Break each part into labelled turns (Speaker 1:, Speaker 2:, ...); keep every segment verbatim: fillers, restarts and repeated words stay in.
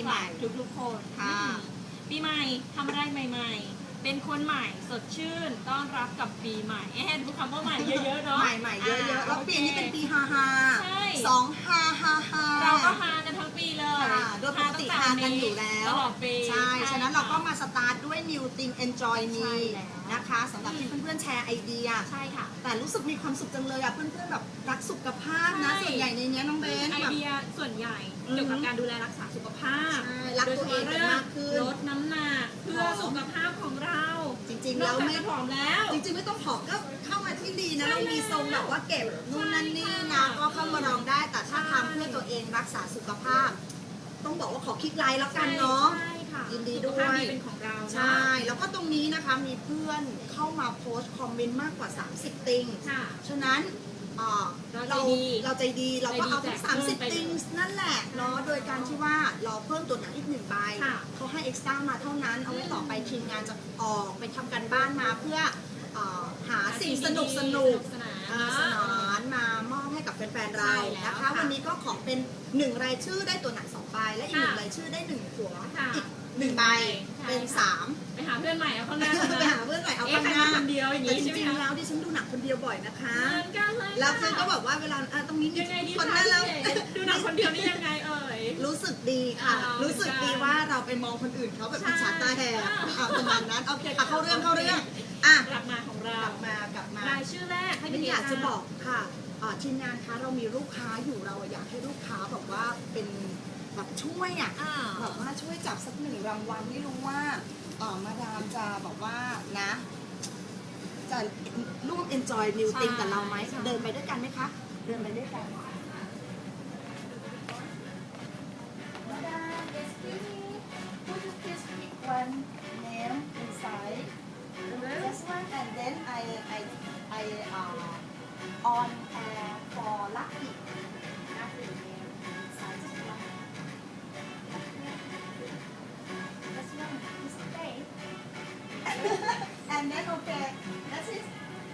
Speaker 1: ใหม่ทุกๆคนค่ะปีใหม่ทำอะไรใหม่ๆเป็นคนใหม่สดชื่นต้อนรับกับปีใหม่เอ๊ะดูคำว่าใหม่เยอะๆเนาะ
Speaker 2: ใหม่ๆเยอะๆแล้วปีนี้เป็นปีฮาฮาสองฮาฮาฮา
Speaker 1: เราก็ฮากันทั้งปีเลย
Speaker 2: โดยปกติฮากันอยู่แล้ว
Speaker 1: ตลอดปี
Speaker 2: ใช่ฉะนั้นเราก็มาสตาร์ทด้วย New Thing Enjoy Me นะคะสำหรับที่เพื่อนๆแชร์ไอเดีย
Speaker 1: ใช่ค่ะ
Speaker 2: แต่รู้สึกมีความสุขจังเลยอ่ะเพื่อนๆแบบรักสุขภาพนะส่วนใหญ่ในนี้น้องเบน
Speaker 1: ไอเดียส่วนใหญ่เกี่ยวกับการดูแลรักษาสุขภาพ
Speaker 2: รักตัวเองมากขึ้น
Speaker 1: ลดน้ำหนักเพื่อสุขภาพของเรา
Speaker 2: จริงๆแล้วไม่
Speaker 1: ผอมแล้ว
Speaker 2: จริงๆไม่ต้องผอมก็เข้ามาที่ดีนะเรามีทรงแบบว่าเก็บนู่นนั่นนี่นะก็เข้ามาลองได้แต่ถ้าทำเพื่อตัวเองรักษาสุขภาพต้องบอกว่าขอคลิกไลน์แล้วกันเนาะยินดีด้วย
Speaker 1: เป็นของเรา
Speaker 2: ใช่แล้วก็ตรงนี้นะคะมีเพื่อนเข้ามาโพสต์คอมเมนต์มากกว่าสามสิบติงฉะนั้นเราเราใจดีเราก็เอาทั้งสามสิบติงนั่นแหละเนาะโดยการที่ว่าเราเพิ่มตัวหนังอีกหนึ่งใบเขาให้เอ็กซ์ตร้ามาเท่านั้นเอาไว้ต่อไปทีมงานจะออกไปทำการบ้านมาเพื่อหาสิ่งสนุกสนุกสนานมามอบให้กับแฟนๆเรานะคะวันนี้ก็ขอเป็นหนึ่งรายชื่อได้ตัวหนังสองใบและอีกหนึ่งรายชื่อได้หนึ่งหัวอีกหนึ่งใบเป็นสาม
Speaker 1: ไปหาเพื่อนใหม่เอาข้างหน้า
Speaker 2: ไปหาเพื่อนใหม่เอาข้างหน้า
Speaker 1: คนเดียวอย่างนี้
Speaker 2: จริงๆแล้วดิฉันดูหนังคนเดียวบ่อยนะคะแล้วเพื่อนก็บอกว่าเวลาตรงนี้มี
Speaker 1: คนนั้นแล้วดูหนังคนเดียวนี่ยังไงเอ่ย
Speaker 2: รู้สึกดีค่ะรู้สึกดีว่าเราไปมองคนอื่นเขาแบบอิจฉาตาแหกเอาประมาณนั้นโอเคค่ะเข้าเรื่องเข้าเรื่อง
Speaker 1: อ่ะกลับมาของเรา
Speaker 2: กลับมากลับมาร
Speaker 1: ายชื่อแรกให้
Speaker 2: พี่อยากจะบอกค่ะทีมงานคะเรามีลูกค้าอยู่เราอยากให้ลูกค้าแบบว่าเป็นแบบช่วยอ่ะแบบว่าช่วยจับสักหนึ่งรางวัลไม่รู้ว่ามาดามจะบอกว่านะจะร่วม enjoy new thing กับเราไหมเดินไปด้วยกันไหมคะเดินไปด้วยกันมาดาม yes please would you please pick one name inside this one and then I I I uh, on air for lucky lucky name inside this one this one is okay and then okay that's it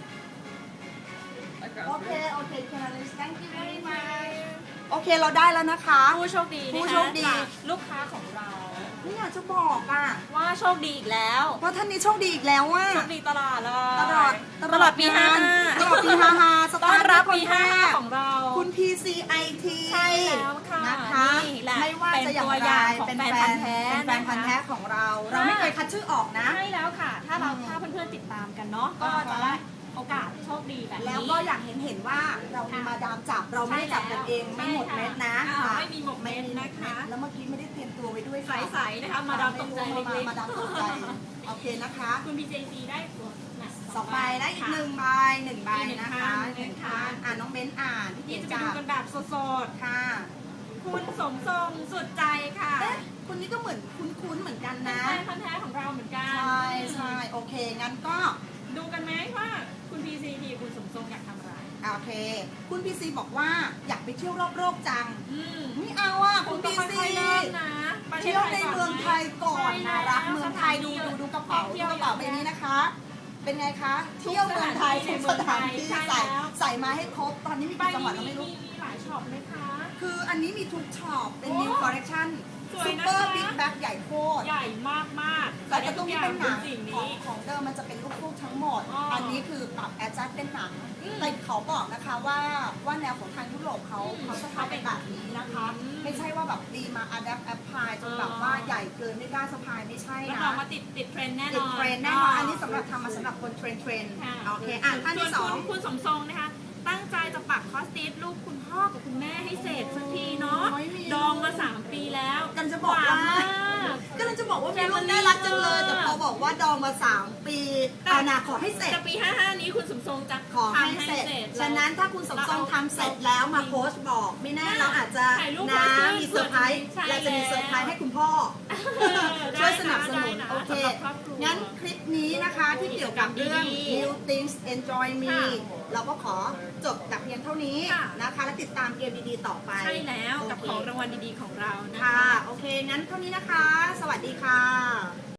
Speaker 2: okay okay Candice thank you very much โอเคเราได้แล้วนะคะ
Speaker 1: ผู้โชคดี
Speaker 2: ผู้โชคดี
Speaker 1: ลูกค้าของเรา
Speaker 2: นี่อยากจะบอกอ่ะ
Speaker 1: ว่าโชคดีอีกแล้ว
Speaker 2: ว่าท่านนี้โชคดีอีกแล้วว่า
Speaker 1: โชคดีตลอดเลย
Speaker 2: ตลอด
Speaker 1: ตลอดปีห้า
Speaker 2: ตลอดปีห้าห้า
Speaker 1: ต้อนรับปีห้าของเรา
Speaker 2: คุณ พี ซี ไอ ที
Speaker 1: ใช่แล้วค่ะ
Speaker 2: นะคะไม่ว่าจะอย่างไรเป็นแฟนเป็นแฟนพันธุ์แท้ของเราเราไม่เคยคัดชื่อออกนะ
Speaker 1: ใช่แล้วค่ะถ้าเราถ้าเพื่อนๆติดตามกันเนาะก็จะได้โอกาสโชคดีแบบนี้
Speaker 2: แล้วก็อยากเห็นเห็นว่าเรามีมาดามจับเราไม่ได้จับกันเองไม่หมดเม็ดนะ
Speaker 1: ไม่มีหมดเม็ดนะคะ
Speaker 2: แล้วเมื่อกี้ไม่ได้เตรียมตัวไว้ด้วย
Speaker 1: ใสๆนะคะมาดามตกใจเล็ก
Speaker 2: ๆมาดามตกใจโอเคนะคะ
Speaker 1: คุณ พี เจ ซี ได้
Speaker 2: สองใบได้อีกหนึ่งใบหนึ่งใบนะคะหนึ่งคันอ่านน้องเบ้นอ่าน
Speaker 1: ที่จะไปดูกันแบบสด
Speaker 2: ๆค่ะ
Speaker 1: คุณสมทรงสุดใจค่ะ
Speaker 2: คุณนี่ก็เหมือนคุ้นๆเหมือนกันนะ
Speaker 1: แฟนพันธุ์แท้ของเราเหมือนกัน
Speaker 2: ใช่ใช่โอเคงั้นก็
Speaker 1: ดูกันไหมว่าคุณพีซีทีคุณสมทรงอยากทำอะไร
Speaker 2: โอเคคุณพีซีบอกว่าอยากไปเที่ยวรอบโลกจังไม่เอาอ่ะคุณพีซีเที่ยวในเมืองไทยก่อนนะรักเมืองไทยดูดูดูกระเป๋าดูกระเป๋าใบนี้นะคะเป็นไงคะเที่ยวเมืองไทยทุกสถานที่ใส่ใส่มาให้ครบตอนนี้มีกี่จังหวัดเราไม่รู้
Speaker 1: มีหลายช็อปไหมคะ
Speaker 2: คืออันนี้มีทุกช็อปเป็น new collection ซูเปอร์บิ๊กแบ็คใหญ่โคตร
Speaker 1: ใหญ่มากมาก
Speaker 2: แต่ก็ต้องเป็นหนังของของเดิมมันจะเป็นลูกๆทั้งหมดอันนี้คือปรับแอดจัดเป็นหนังแต่เขาบอกนะคะว่าว่าแนวของทางยุโรปเขาเขาจะทำเป็นแบบนี้นะคะไม่ใช่ว่าแบบดีมาอัดแอปแอปพลายจนแบบว่าใหญ่เกินไม่กล้าสะพายไม่ใช่นะ
Speaker 1: เรามาติดติดเทรนแน่นอน
Speaker 2: ติดเทรนแน่นอนอันนี้สำหรับทำมาสำหรับคนเทรนเทรนโอเคอ่ะท่านที่สอง
Speaker 1: คุณสมทรงนะคะตั้งใจจะปักคอสติสลูกคุณพ่อกับคุณแม่ให้เสร็จสักทีเนาะดองมาสามปีแล้ว
Speaker 2: กันจะบอกว่าก็เลยจะบอกว่ามีลูกน่ารักจังเลยแต่พอบอกว่าดองมาสามปีอานาขอให้เสร็จ
Speaker 1: จะปีห้าห้านี้คุณสมทรงจะ
Speaker 2: ขอให้เสร็จฉะนั้นถ้าคุณสมทรงทำเสร็จแล้วมาโพสต์บอกไม่แน่เราอาจจะนะมีเซอร์ไพรส์เราจะมีเซอร์ไพรส์ให้คุณพ่อช่วยสนับสนุนโอเคงั้นคลิปนี้นะคะที่เกี่ยวกับเรื่อง New Things Enjoy Me เราก็ขอจบแต่เพียงเท่านี้นะคะและติดตามเกมดีๆต่อไป
Speaker 1: ใช่แล้วกับของรางวัลดีๆของเรา
Speaker 2: นะคะโอเคงั้นเท่านี้นะคะสวัสดีค่ะ